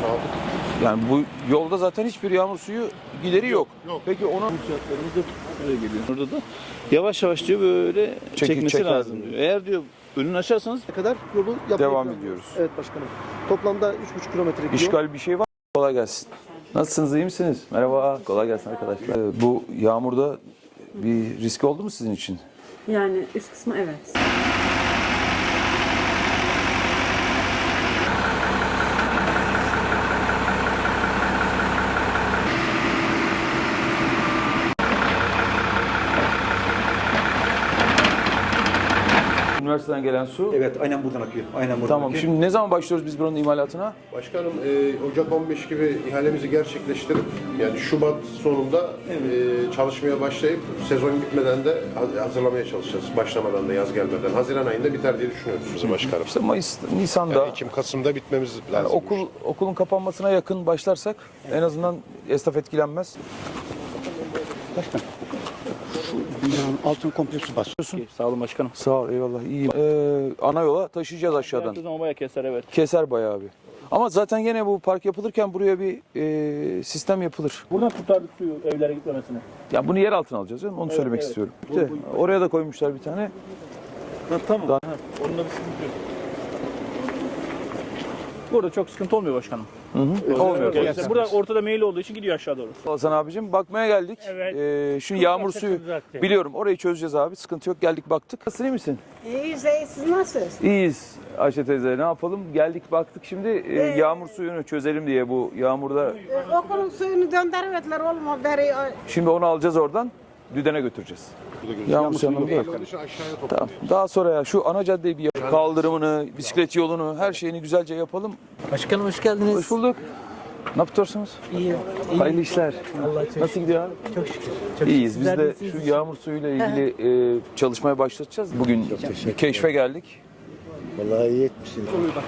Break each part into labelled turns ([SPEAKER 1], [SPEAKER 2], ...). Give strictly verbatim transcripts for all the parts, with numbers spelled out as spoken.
[SPEAKER 1] aldık.
[SPEAKER 2] Yani bu yolda zaten hiçbir yağmur suyu gideri yok.
[SPEAKER 1] Yok.
[SPEAKER 2] Peki ona
[SPEAKER 3] Uçaklarımız da böyle geliyor. Orada da yavaş yavaş diyor böyle
[SPEAKER 2] Çekil,
[SPEAKER 3] çekmesi
[SPEAKER 2] çeker
[SPEAKER 3] lazım
[SPEAKER 2] diyor.
[SPEAKER 3] diyor. Eğer diyor önünü açarsanız
[SPEAKER 4] kadar yolu yapmayı
[SPEAKER 2] devam
[SPEAKER 4] planlıyoruz.
[SPEAKER 2] ediyoruz.
[SPEAKER 4] Evet başkanım. Toplamda üç buçuk kilometre gidiyor.
[SPEAKER 2] İşgal bir şey var mı? Kolay gelsin. Nasılsınız, iyi misiniz? Merhaba, kolay gelsin arkadaşlar. Ee, bu yağmurda bir risk oldu mu sizin için?
[SPEAKER 5] Yani üst kısmı evet.
[SPEAKER 2] Üniversiteden gelen su.
[SPEAKER 6] Evet, aynen buradan akıyor. Aynen buradan
[SPEAKER 2] Tamam,
[SPEAKER 6] akıyor.
[SPEAKER 2] şimdi ne zaman başlıyoruz biz buranın imalatına?
[SPEAKER 1] Başkanım e, Ocak on beş gibi ihalemizi gerçekleştirip yani Şubat sonunda e, çalışmaya başlayıp sezon bitmeden de hazırlamaya çalışacağız. Başlamadan da yaz gelmeden. Haziran ayında biter diye düşünüyoruz bizim başkanım.
[SPEAKER 2] İşte Mayıs, Nisan'da
[SPEAKER 1] Yani Ekim, Kasım'da bitmemiz lazım.
[SPEAKER 2] yani okul okulun kapanmasına yakın başlarsak en azından esnaf etkilenmez.
[SPEAKER 6] Binanın altını komple su basıyor.
[SPEAKER 3] sağ olun başkanım.
[SPEAKER 2] Sağ ol, eyvallah, iyiyim. Ee, ana yola taşıyacağız aşağıdan.
[SPEAKER 3] Yaptığı zaman bayağı keser evet.
[SPEAKER 2] Keser bayağı bir. Ama zaten yine bu park yapılırken buraya bir e, sistem yapılır.
[SPEAKER 3] Buradan kurtardık suyu evlere gitmemesini.
[SPEAKER 2] Ya bunu yer altına alacağız canım, onu söylemek
[SPEAKER 3] evet.
[SPEAKER 2] istiyorum. İşte, oraya da koymuşlar bir tane.
[SPEAKER 3] Ha, tamam.
[SPEAKER 2] Daha-
[SPEAKER 3] Ha, onun da bir sıkıntı yok. Burada çok sıkıntı olmuyor başkanım.
[SPEAKER 2] Olmuyor.
[SPEAKER 3] Evet, burada ortada meyil olduğu için gidiyor aşağı doğru.
[SPEAKER 2] Hasan abicim, bakmaya geldik.
[SPEAKER 7] Evet.
[SPEAKER 2] Ee, şu yağmur suyu,
[SPEAKER 7] zaten.
[SPEAKER 2] biliyorum orayı çözeceğiz abi, sıkıntı yok, geldik baktık. Nasılsın, iyi misin?
[SPEAKER 8] İyiyiz, iyi. Siz nasılsınız?
[SPEAKER 2] İyiyiz Ayşe teyze, ne yapalım? Geldik baktık şimdi e, yağmur suyunu çözelim diye bu yağmurda.
[SPEAKER 8] Ee, okulun suyunu döndürmediler oğlum o beri.
[SPEAKER 2] Şimdi onu alacağız oradan, Düden'e götüreceğiz. Yağmur suyunu bırak.
[SPEAKER 1] Aşağıya topluyoruz.
[SPEAKER 2] Tamam. Daha sonra ya şu ana caddeyi bir yap- kaldırımını, bisiklet yolunu, her şeyini güzelce yapalım.
[SPEAKER 7] Başkanım hoş geldiniz.
[SPEAKER 2] Hoş bulduk. Ne yapıyorsunuz?
[SPEAKER 7] İyi.
[SPEAKER 2] Hayırlı işler.
[SPEAKER 7] Allah çok
[SPEAKER 2] Nasıl gidiyor abi?
[SPEAKER 7] Çok şükür. Çok
[SPEAKER 2] İyiyiz. Biz
[SPEAKER 7] Sizler
[SPEAKER 2] de
[SPEAKER 7] nasılsınız?
[SPEAKER 2] şu yağmur suyuyla ilgili e, çalışmaya başlatacağız. Bugün bir keşfe geldik.
[SPEAKER 6] Vallahi iyi etmişsiniz.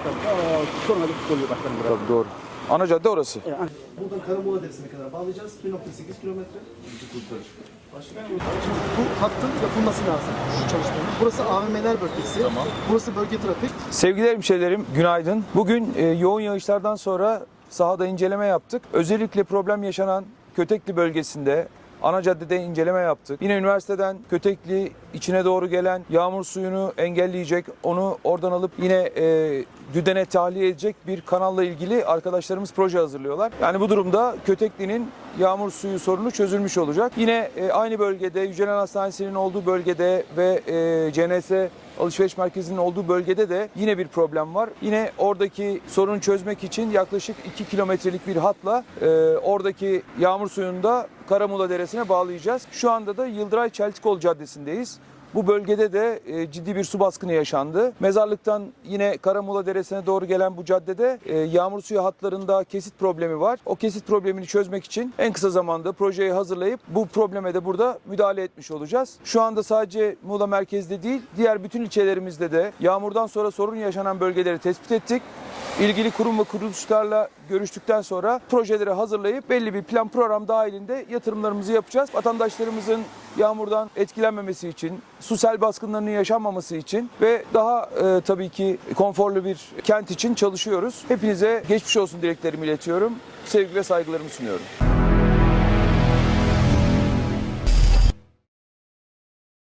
[SPEAKER 2] Tabii doğru. Ana cadde orası.
[SPEAKER 4] Buradan Karamola Deresi'ne kadar bağlayacağız. bir nokta sekiz kilometre. Şimdi bu hattın yapılması lazım. Şu çalışmanın. Burası A V M'ler bölgesi. Tamam. Burası bölge trafik.
[SPEAKER 2] Sevgili hemşehrilerim, günaydın. Bugün e, yoğun yağışlardan sonra sahada inceleme yaptık. Özellikle problem yaşanan Kötekli bölgesinde ana caddede inceleme yaptık. Yine üniversiteden Kötekli içine doğru gelen yağmur suyunu engelleyecek, onu oradan alıp yine e, Düden'e tahliye edecek bir kanalla ilgili arkadaşlarımız proje hazırlıyorlar. Yani bu durumda Kötekli'nin yağmur suyu sorunu çözülmüş olacak. Yine e, aynı bölgede Yücelen Hastanesi'nin olduğu bölgede ve e, C N S alışveriş merkezinin olduğu bölgede de yine bir problem var. Yine oradaki sorunu çözmek için yaklaşık iki kilometrelik bir hatla e, oradaki yağmur suyunu da Karamuğla Deresi'ne bağlayacağız. Şu anda da Yıldıray Çeltikoğlu Caddesi'ndeyiz. Bu bölgede de e, ciddi bir su baskını yaşandı. Mezarlıktan yine Karamuğla Deresi'ne doğru gelen bu caddede e, yağmur suyu hatlarında kesit problemi var. O kesit problemini çözmek için en kısa zamanda projeyi hazırlayıp bu probleme de burada müdahale etmiş olacağız. Şu anda sadece Muğla merkezde değil, diğer bütün ilçelerimizde de yağmurdan sonra sorun yaşanan bölgeleri tespit ettik. İlgili kurum ve kuruluşlarla görüştükten sonra projeleri hazırlayıp belli bir plan program dahilinde yatırımlarımızı yapacağız. Vatandaşlarımızın yağmurdan etkilenmemesi için, su sel baskınlarının yaşanmaması için ve daha e, tabii ki konforlu bir kent için çalışıyoruz. Hepinize geçmiş olsun dileklerimi iletiyorum. Sevgi ve saygılarımı sunuyorum.